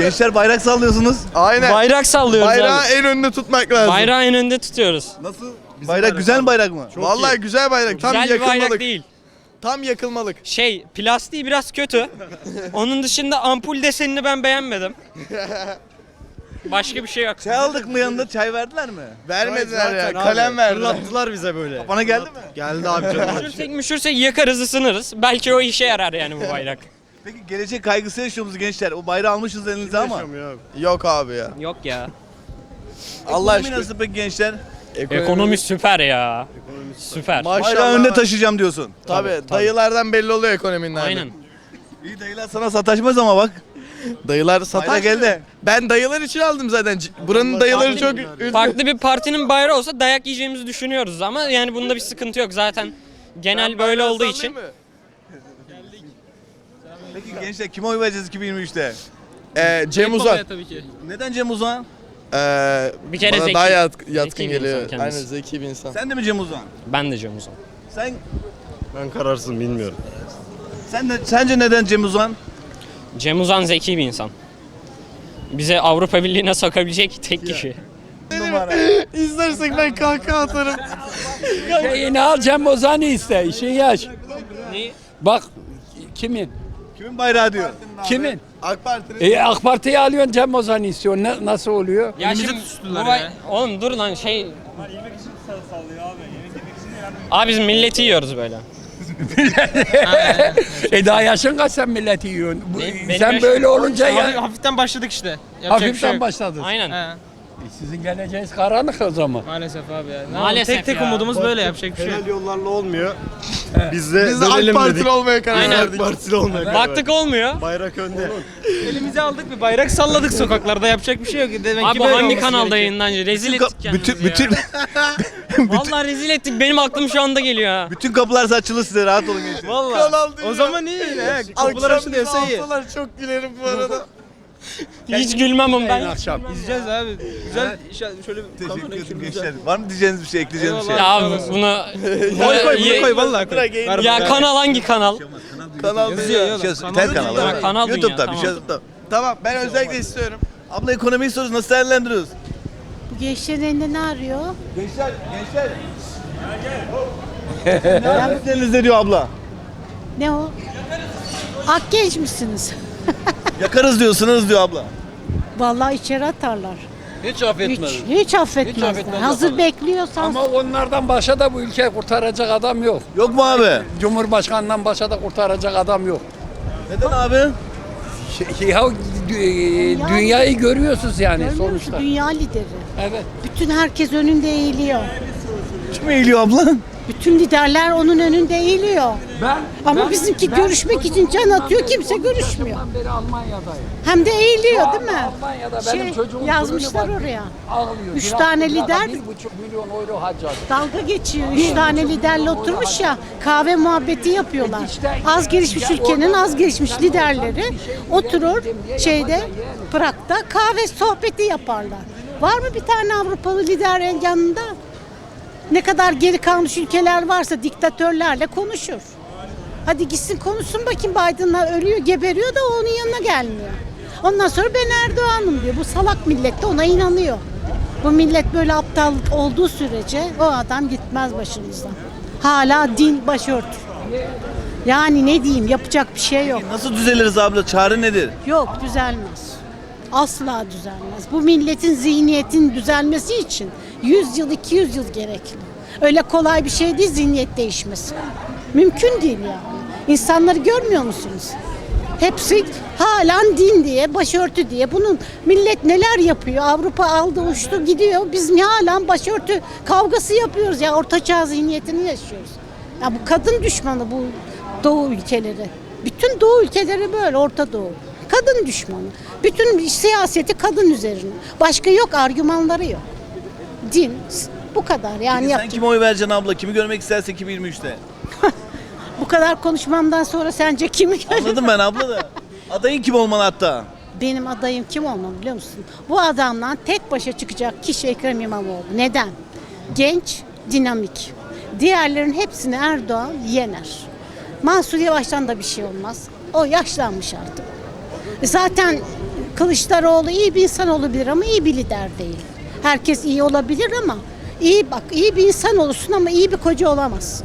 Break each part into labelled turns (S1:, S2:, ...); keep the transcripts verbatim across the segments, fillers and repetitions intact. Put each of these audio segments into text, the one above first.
S1: Gençler bayrak sallıyorsunuz.
S2: Aynen.
S3: Bayrak sallıyoruz
S2: Bayrağı
S3: abi.
S2: en önünde tutmak lazım.
S3: Bayrağı en önde tutuyoruz.
S1: Nasıl? Bayrak güzel mi bayrak mı?
S2: Vallahi güzel bayrak. Tam
S3: Güzel bir
S2: yakılmalık.
S3: bayrak değil.
S2: Tam yakılmalık.
S3: Şey, plastiği biraz kötü. Onun dışında ampul desenini ben beğenmedim. Başka bir şey yok.
S1: Çay aldık mı yanında? Çay verdiler mi?
S2: Vermediler ya. Kalem verdiler.
S4: Fırlattılar bize böyle.
S1: Bana geldi mi?
S4: Geldi abi canım.
S3: Müşürsek müşürsek yakarız ısınırız. Belki o işe yarar yani bu bayrak.
S1: Peki gelecek kaygısı yaşıyor musunuz gençler? O bayrağı almışız elinize ama.
S2: Yok abi ya.
S3: Yok ya.
S2: Allah
S1: Ekonomi
S2: aşkına.
S1: nasıl peki gençler?
S3: Ekonomi süper ya. Süper.
S2: Maşallah.
S1: Bayrağı önde taşıyacağım diyorsun.
S2: Tabii,
S3: Tabii, tabii.
S2: dayılardan belli oluyor ekonominin hali.
S3: Aynen.
S1: İyi dayılar sana sataşmaz ama bak.
S2: Dayılar satar.
S1: Bayrak elde.
S2: Ben dayılar için aldım zaten. C- Buranın dayıları çok üzgün.
S3: Farklı bir partinin bayrağı olsa dayak yiyeceğimizi düşünüyoruz ama yani bunda bir sıkıntı yok zaten. Genel
S2: Ben
S3: böyle
S2: bayrağı
S3: olduğu için.
S2: sallayayım mı?
S1: Peki gençler kime oy vereceğiz iki bin yirmi üçte?
S2: Ee, Cem Uzan.
S3: Tabii ki.
S1: Neden Cem Uzan?
S2: Ee,
S3: Bir kere
S2: bana
S3: zeki.
S2: daha yat- yatkın
S3: Zeki bir
S2: geliyor.
S3: insan kendisi.
S2: Aynen zeki bir insan.
S1: Sen de mi Cem Uzan?
S3: Ben de Cem Uzan.
S1: Sen
S4: Ben kararsın bilmiyorum.
S1: sen de sence neden Cem Uzan?
S3: Cem Uzan zeki bir insan. Bize Avrupa Birliği'ne sokabilecek tek kişi.
S1: Numara.
S2: İzlersek ben kahkaha atarım.
S5: Şeyini al Cem Ozan'ı iste, işin yaş.
S3: Neyi?
S5: Bak kimin?
S1: Kimin bayrağı diyor?
S5: Kimin?
S2: AK Parti'nin.
S5: E, AK Parti'yi alıyorsun Cem Ozan'ı istiyorsun. Ne, nasıl oluyor?
S3: Ya şimdi bu bay- Oğlum dur lan şey... Abi biz milleti yiyoruz böyle.
S5: E daha yaşın kaç sen milleti yiyorsun? Bu-
S3: Benim- benim
S5: sen
S3: yaşım-
S5: böyle olunca
S6: Hafif-
S5: ya
S6: hafiften başladık işte. Yapacak bir şey
S5: hafiften
S6: yok.
S5: başladın.
S3: Aynen.
S6: He,
S5: E, sizin geleceğiniz karanlık o zaman.
S6: maalesef abi ya. Ne
S3: Maalesef
S6: yapalım? Tek tek
S3: ya.
S6: umudumuz böyle yapacak bir şey yok.
S4: Helal yollarla olmuyor. Biz de
S2: Biz de AK
S4: dönelim
S2: Partili
S4: dedik.
S2: olmaya karar
S3: Aynen.
S2: verdik.
S4: AK Partili olmaya karar
S3: Baktık olmuyor.
S4: verdik. Bayrak önde.
S6: Elimize aldık bir bayrak salladık sokaklarda yapacak bir şey yok. Demek
S3: Abi
S6: ki
S3: bu
S6: böyle
S3: hangi
S6: olması
S3: kanalda
S6: gerekiyor.
S3: yayınlanacak? Rezil
S1: Bütün,
S3: ettik
S1: ka-
S3: kendimizi
S1: bütün,
S3: ya.
S1: bütün,
S3: Vallahi rezil ettik. Benim aklım şu anda geliyor ha.
S1: bütün kapılar açılı size rahat olun gençler.
S6: Vallahi.
S2: Kanal değil
S6: O
S2: ya.
S6: zaman iyi yine. he. Kapılar
S2: Akşam bizi
S6: açılıyorsa iyi.
S2: alsalar çok gülerim bu arada.
S3: Hiç gülmem ama ben.
S5: akşam.
S6: İzleyeceğiz abi. Güzel iş- şöyle
S1: Teşekkür
S6: kamerayı
S1: ederim
S6: şöyle
S1: gençler. Var mı diyeceğiniz bir şey, ekleyeceğiniz bir şey?
S3: Ya abi bunu...
S6: Koy koy
S3: Ya-
S6: bunu koy vallahi koy.
S2: Bırak, yayın-
S6: Ver
S3: Ya
S6: bunu.
S3: kanal hangi kanal?
S2: Kanal
S6: Yazıyor,
S2: değil.
S6: yazıyor.
S1: Bir şey,
S6: Kanal
S1: tel
S6: değil
S1: kanalı.
S6: ya.
S1: evet.
S3: Kanal Dünya,
S1: YouTube'da bir şey.
S3: tamam.
S1: YouTube'da.
S2: Tamam ben özellikle istiyorum.
S1: Abla ekonomiyi soruyoruz. Nasıl değerlendiriyoruz?
S7: Bu gençlerin elinde ne arıyor?
S1: Gençler, gençler. Ne yapıyorsunuz diyor abla?
S7: Ne o? Ak genç misiniz?
S1: Yakarız diyorsunuz diyor abla.
S7: Vallahi içeri atarlar.
S5: Hiç
S7: Hiç,
S5: affetmez.
S7: hiç affetmezler.
S5: affetmez
S7: Hazır
S5: yaparlar.
S7: bekliyorsan
S5: Ama onlardan başa da bu ülkeyi kurtaracak adam yok.
S1: Yok mu abi?
S5: Cumhurbaşkanından başa da kurtaracak adam yok.
S1: Neden abi?
S5: Şey, ya dü- dünyayı görüyorsunuz yani
S7: görmüyor musun?
S5: sonuçta.
S7: Dünya lideri.
S5: Evet.
S7: Bütün herkes önünde eğiliyor.
S1: Kim eğiliyor abla?
S7: Bütün liderler onun önünde eğiliyor.
S5: Ben
S7: Ama
S5: ben-
S7: bizimki
S5: ben
S7: görüşmek
S5: koca
S7: için can
S5: zamandan
S7: atıyor,
S5: beri-
S7: kimse
S5: koca
S7: görüşmüyor.
S5: zamandan beri Almanya'dayım.
S7: Hem de eğiliyor
S5: Şu
S7: değil mi?
S5: anda Almanya'da benim
S7: Şey,
S5: çocuğum
S7: yazmışlar
S5: fırını var.
S7: oraya.
S5: Ağlıyor.
S7: Üç
S5: Biraz-
S7: tane
S5: biraz
S7: lider-
S5: Bir buçuk milyon euro harcadı.
S7: Dalga geçiyor. Üç tane liderle oturmuş ya kahve muhabbeti yapıyorlar. Az gelişmiş ülkenin az gelişmiş liderleri oturur şeyde Prag'da kahve sohbeti yaparlar. Var mı bir tane Avrupalı lider yanında? Ne kadar geri kalmış ülkeler varsa diktatörlerle konuşur. Hadi gitsin konuşsun bakayım, Biden'la ölüyor, geberiyor da onun yanına gelmiyor. Ondan sonra ben Erdoğan'ım diyor. Bu salak millet de ona inanıyor. Bu millet böyle aptallık olduğu sürece o adam gitmez başımızdan. Hala din başörtü. Yani ne diyeyim, yapacak bir şey yok.
S1: Nasıl düzeliriz abla? Çare nedir?
S7: Yok, düzelmez. Asla düzelmez. Bu milletin zihniyetin düzelmesi için yüz yıl, iki yüz yıl gerekli. Öyle kolay bir şey değil zihniyet değişmesi. Mümkün değil yani. İnsanları görmüyor musunuz? Hepsi halen din diye, başörtü diye. Bunun millet neler yapıyor? Avrupa aldı uçtu gidiyor. Biz niye halen başörtü kavgası yapıyoruz ya? Ortaçağ zihniyetini yaşıyoruz. Ya bu kadın düşmanı bu Doğu ülkeleri. Bütün Doğu ülkeleri böyle, Orta Doğu. Kadın düşmanı. Bütün siyaseti kadın üzerine. Başka yok, argümanları yok. Din bu kadar yani.
S1: Peki sen
S7: yapacak-
S1: kime oy vereceksin abla? Kimi görmek istersin iki bin yirmi üçte?
S7: Bu kadar konuşmamdan sonra sence kimi görüyorsun?
S1: Anladım ben abla da. Adayın kim olmalı hatta?
S7: Benim adayım kim olmalı biliyor musun? Bu adamdan tek başa çıkacak kişi Ekrem İmamoğlu. Neden? Genç, dinamik. Diğerlerin hepsini Erdoğan yener. Mansur Yavaş'tan da bir şey olmaz. O yaşlanmış artık. Zaten Kılıçdaroğlu iyi bir insan olabilir ama iyi bir lider değil. Herkes iyi olabilir ama iyi bak iyi bir insan olursun ama iyi bir koca olamazsın.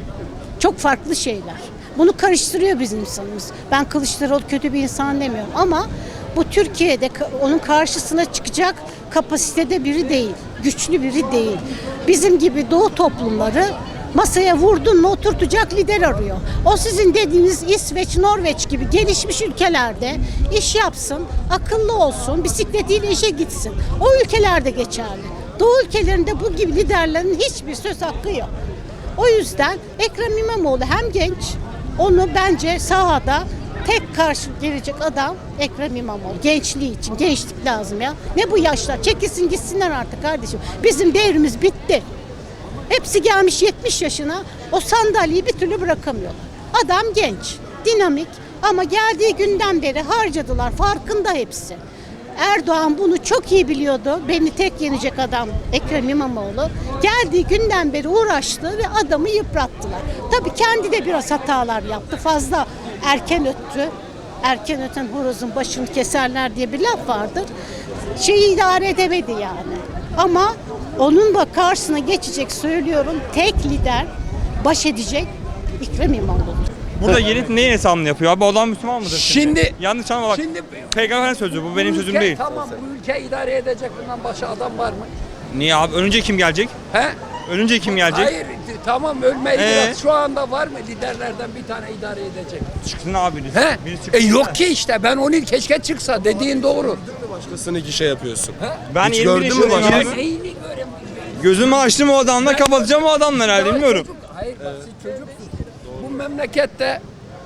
S7: Çok farklı şeyler. Bunu karıştırıyor bizim insanımız. Ben Kılıçdaroğlu kötü bir insan demiyorum ama bu Türkiye'de onun karşısına çıkacak kapasitede biri değil. Güçlü biri değil. Bizim gibi doğu toplumları masaya vurdun mu oturtacak lider arıyor. O sizin dediğiniz İsveç, Norveç gibi gelişmiş ülkelerde iş yapsın, akıllı olsun, bisikletiyle işe gitsin. O ülkelerde geçerli. Doğu ülkelerinde bu gibi liderlerin hiçbir söz hakkı yok. O yüzden Ekrem İmamoğlu hem genç, onu bence sahada tek karşı gelecek adam Ekrem İmamoğlu. Gençliği için, gençlik lazım ya. Ne bu yaşlar? Çekilsin gitsinler artık kardeşim. Bizim devrimiz bitti. Hepsi gelmiş yetmiş yaşına, o sandalyeyi bir türlü bırakamıyorlar. Adam genç, dinamik ama geldiği günden beri harcadılar, farkında hepsi. Erdoğan bunu çok iyi biliyordu. Beni tek yenecek adam Ekrem İmamoğlu. Geldiği günden beri uğraştı ve adamı yıprattılar. Tabii kendi de biraz hatalar yaptı. Fazla erken öttü. Erken öten horozun başını keserler diye bir laf vardır. Şeyi idare edemedi yani. Ama onun da karşısına geçecek söylüyorum. Tek lider baş edecek Ekrem İmamoğlu.
S8: Burada yeni neyin hesabını yapıyor abi? O adam Müslüman mıdır?
S5: Şimdi
S8: Yanlış anlama bak.
S5: şimdi
S8: Peygamber'in sözü bu benim
S5: bu
S8: sözüm
S5: ülke-
S8: değil.
S5: Tamam bu ülke idare edecek bundan başka adam var mı?
S8: Niye abi? Ölünce kim gelecek?
S5: He?
S8: Ölünce kim gelecek?
S5: Hayır tamam ölmeyi
S8: Ee?
S5: biraz şu anda var mı liderlerden bir tane idare edecek?
S8: Çıksın abi birisi.
S5: He?
S8: Birisi
S5: E
S8: çıksın
S5: yok
S8: da.
S5: ki işte ben onu keşke çıksa dediğin doğru.
S4: Başkasını iki şey yapıyorsun.
S8: Ben
S4: Hiç
S8: yirmi bir
S4: gördün mü
S8: yaşındayım
S4: başka?
S8: abi.
S5: Neyini göremiyorum.
S8: Gözümü açtım o adamla kapatacağım o adamla herhalde bilmiyorum.
S5: Çocuk, hayır bak siz çocuksunuz. Bu memlekette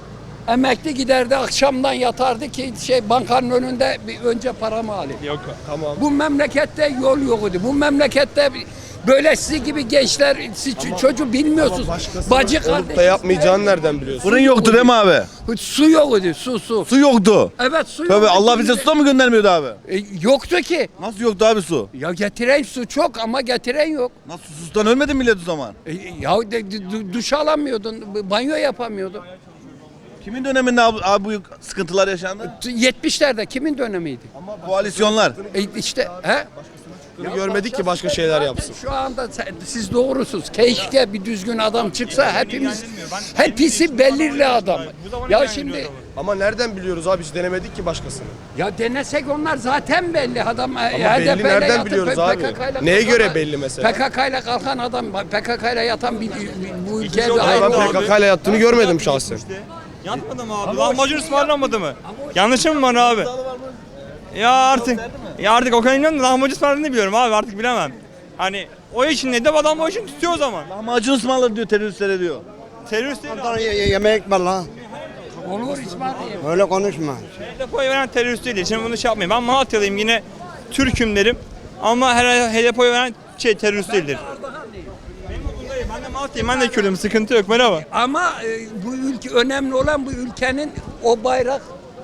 S5: emekli giderdi akşamdan yatardı ki şey bankanın önünde bir önce paramı alayım.
S8: Yok.
S4: Tamam.
S5: Bu memlekette yol yoktu. Bu memlekette böyle sizi gibi gençler siz ç- çocuğu bilmiyorsunuz. Bacı
S4: Olup da
S5: kardeş.
S4: yapmayacağını nereden biliyorsun?
S1: Fırın yoktu değil mi abi?
S5: Su yoktu su su.
S1: Su yoktu.
S5: Evet su
S1: Tabii
S5: yoktu.
S1: Allah bize su da mı göndermiyordu abi?
S5: E, yoktu ki.
S1: Nasıl yoktu abi su?
S5: Ya getiren su çok ama getiren yok.
S1: Nasıl susuzdan ölmedi millet o zaman?
S5: E, ya de, de- du- duş alamıyordun, banyo yapamıyordun.
S1: Kimin döneminde abi, abi bu sıkıntılar yaşandı?
S5: yetmişlerde kimin dönemiydi?
S1: Koalisyonlar.
S5: E, işte he?
S4: Görmedik ki başka şeyler yapsın.
S5: Şu anda sen- siz doğrusunuz. Keşke bir düzgün adam çıksa hepimiz hepsi belirli adam. Ya şimdi
S4: Ama nereden biliyoruz abi? Hiç denemedik ki başkasını.
S5: ya denesek onlar zaten belli adam. Ama
S4: belli nereden biliyoruz abi? Neye göre belli mesela?
S5: P K K ile kalkan adam, P K K ile yatan bir, bir- bu ülke
S8: yıl
S5: bir
S8: oldu
S5: ayrı.
S8: abi.
S4: Ben P K K ile yattığını görmedim şahsen.
S8: Yatmadı mı abi? Lahmacun ısmarlanmadı mı? Yanlışım mı var abi? Ya artık. Ya artık o kadar inanmıyorum da lahmacun ısmarladığını biliyorum abi artık bilemem. Hani o için ne de adam o için tutuyor o zaman.
S1: Lahmacun ısmarladı diyor teröristlere diyor.
S8: Terörist değil abi.
S9: Yemek var lan.
S5: Olur İsmail.
S9: Öyle konuşma.
S8: H D P'ye veren terörist değil. Şimdi bunu şey yapmayın. Ben Malatyalıyım yine Türk'üm derim. Ama her H D P'ye veren şey terörist değildir. Benim bundayım. Ben de Malatyalıyım. Ben de Kürdüm. Sıkıntı yok. Merhaba.
S5: Ama e, bu ülke önemli olan bu ülkenin o bayrak,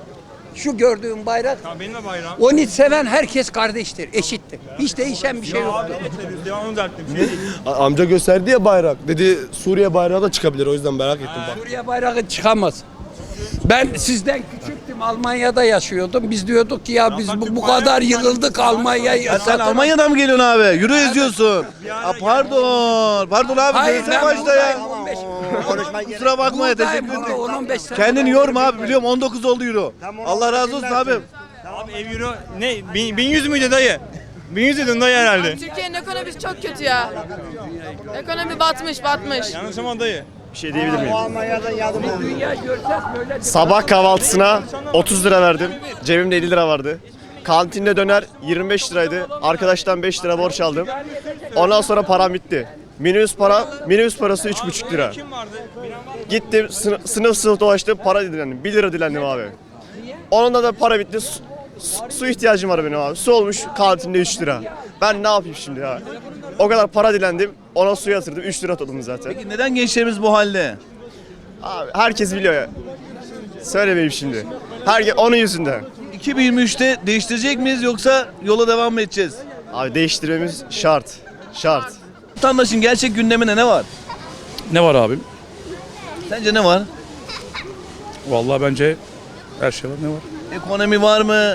S5: şu gördüğüm bayrak.
S8: Ya benim de bayrağım.
S5: Onu seven herkes kardeştir, eşittir. Hiç değişen bir şey yok.
S8: Abi ne terörist ya onu düzelttim. Şey değil.
S4: A- Amca gösterdi ya bayrak. Dedi Suriye bayrağı da çıkabilir. O yüzden merak ettim bak.
S5: Suriye bayrağı çıkamaz. Ben sizden küçüktüm, Almanya'da yaşıyordum. Biz diyorduk ki ya biz bu, bu kadar yıkıldık Almanya'yı.
S1: Ya sen Almanya'dan mı geliyorsun abi? Yürü eziyorsun. Aa, pardon. Pardon abi.
S5: Hayır
S1: Söylesene
S5: ben
S1: başta ya.
S5: buradayım on beş.
S1: Kusura bakma ya
S5: Buradayım,
S1: teşekkür
S5: burada
S1: ederim.
S5: on on beş sene.
S1: Kendini yorma abi biliyorum on dokuz oldu euro. Allah razı olsun abi.
S8: Abi ev euro ne? Bin, bin yüz müydü dayı? Bin yüz dedin dayı herhalde.
S10: Türkiye'nin ekonomisi çok kötü ya. Ekonomi batmış, batmış.
S8: Yanlış ama dayı.
S4: Bir şey diyebilir miyim?
S5: Dünya görsek böyle.
S11: Sabah kahvaltısına otuz lira verdim. Cebimde elli lira vardı. Kantinde döner yirmi beş liraydı. Arkadaştan beş lira borç aldım. Ondan sonra param bitti. Minibüs para, minibüs parası üç buçuk lira.
S8: Kim vardı?
S11: Gittim sınıf sınıf, sınıf dolaştım, para dilendim. bir lira dilendim abi. Onunla da para bitti. Su, su- su ihtiyacım var benim abi. Su olmuş kantinde üç lira. Ben ne yapayım şimdi ya? O kadar para dilendim. Ona su yatırdım. üç lira topladım zaten.
S1: Peki neden gençlerimiz bu halde?
S11: Abi herkes biliyor ya. Söylemeyeyim şimdi. Herkes onun yüzünden.
S1: iki bin yirmi üçte değiştirecek miyiz yoksa yola devam mı edeceğiz?
S11: Abi değiştirmemiz şart. Şart.
S1: Vatandaşın gerçek gündemine ne var?
S12: Ne var abim?
S1: Sence ne var?
S12: Vallahi bence her şey var. Ne var?
S1: Ekonomi var mı?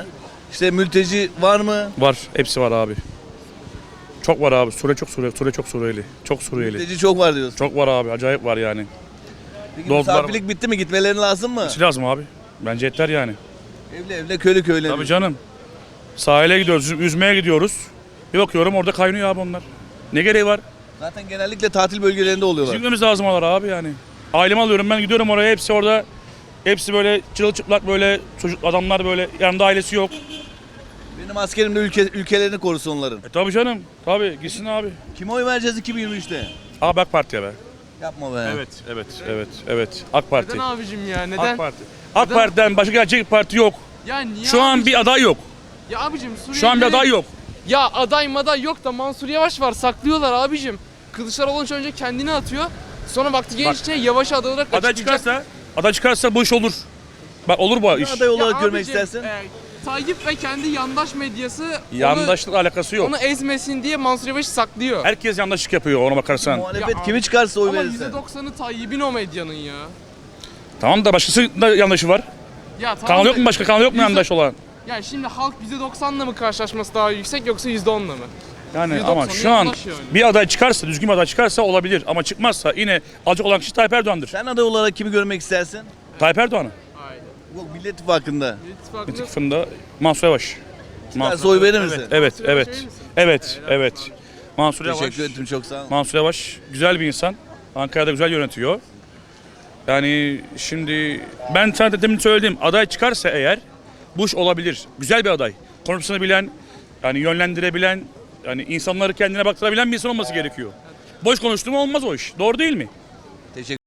S1: İşte mülteci var mı?
S9: Var. Hepsi var abi. Çok var abi. Sure çok Sure, Sure çok Suriyeli. Çok Suriyeli.
S1: Mülteci çok var diyorsun.
S9: Çok var abi. Acayip var yani.
S1: Peki
S9: Doldular-
S1: misafirlik bitti mi? Gitmeleri lazım mı?
S9: Hiç lazım abi. Bence yeter yani.
S1: Evle evle köylü köylü.
S9: Tabii canım. Sahile gidiyoruz, yüzmeye gidiyoruz. Bir bakıyorum orada kaynıyor abi onlar. Ne gereği var?
S1: Zaten genellikle tatil bölgelerinde oluyorlar.
S9: Gitmemiz lazım oralara abi yani. Ailemi alıyorum ben gidiyorum oraya hepsi orada. Hepsi böyle çırılçıplak böyle çocuk adamlar böyle yanında ailesi yok.
S1: Benim askerim de ülke, ülkelerini korusun onların.
S9: E tabii canım. Tabii gitsin abi.
S1: Kime oy vereceğiz iki bin yirmi üçte?
S9: Abi AK Parti'ye be.
S1: Yapma be.
S9: Evet, evet, evet, evet. AK Parti.
S6: Neden abicim ya?
S9: AK
S6: Neden?
S9: Parti. AK Parti'den başka gerçek parti yok.
S6: Ya niye
S9: Şu an
S6: abicim?
S9: bir aday yok.
S6: Ya abicim Suriye'de...
S9: Şu an bir aday yok.
S6: Ya aday maday yok da Mansur Yavaş var. Saklıyorlar abicim. Kılıçdaroğlu önce kendini atıyor. Sonra vakti gelince yavaş aday olarak
S9: Aday
S6: açıklayacak.
S9: çıkarsa, aday çıkarsa bu iş olur. Bak olur bu iş.
S1: Aday olarak
S6: Ya
S1: görmek
S6: abicim,
S1: istersin.
S6: e, Tayyip ve kendi yandaş medyası
S9: Yandaşlık alakası
S6: onu,
S9: yok.
S6: onu ezmesin diye Mansur Yavaş'ı saklıyor.
S9: Herkes yandaşlık yapıyor ona bakarsan.
S1: Muhalefet
S6: Ya
S1: kimi çıkarsa oy
S6: Ama
S1: verirse.
S6: yüzde doksanı Tayyip'in o medyanın ya.
S9: Tamam da başkası da yandaşı var.
S6: Ya tamam
S9: Kanal
S6: da-
S9: yok mu başka? Kanal yok mu
S6: yüzde-
S9: yandaş olan?
S6: Yani şimdi halk yüzde doksanla mı karşılaşması daha yüksek yoksa yüzde onla mı?
S9: Yani
S6: yüzde
S9: ama
S6: doksanı
S9: şu an
S6: yandaş yani.
S9: bir aday çıkarsa, düzgün bir aday çıkarsa olabilir. Ama çıkmazsa yine alacak olan kişi Tayyip Erdoğan'dır.
S1: Sen aday olarak kimi görmek istersin?
S9: Tayyip Erdoğan'ı.
S6: Aynen.
S1: Bu Millet İttifakı'nda.
S6: İttifakında-
S9: İttifakında Mansur Yavaş.
S1: Çıkarsa oy verir misin?
S9: Evet,
S6: Mansur Yavaş
S9: evet,
S6: verir misin?
S9: evet, evet. Mansur Yavaş.
S1: Teşekkür ederim çok sağ ol.
S9: Mansur Yavaş güzel bir insan. Ankara'da güzel yönetiyor. Yani şimdi ben sana da demin söylediğim aday çıkarsa eğer bu iş olabilir. Güzel bir aday. Konusunu bilen, yani yönlendirebilen, yani insanları kendine baktırabilen bir insan olması gerekiyor. Boş konuştuğum olmaz o iş. Doğru değil mi?
S1: Teşekkür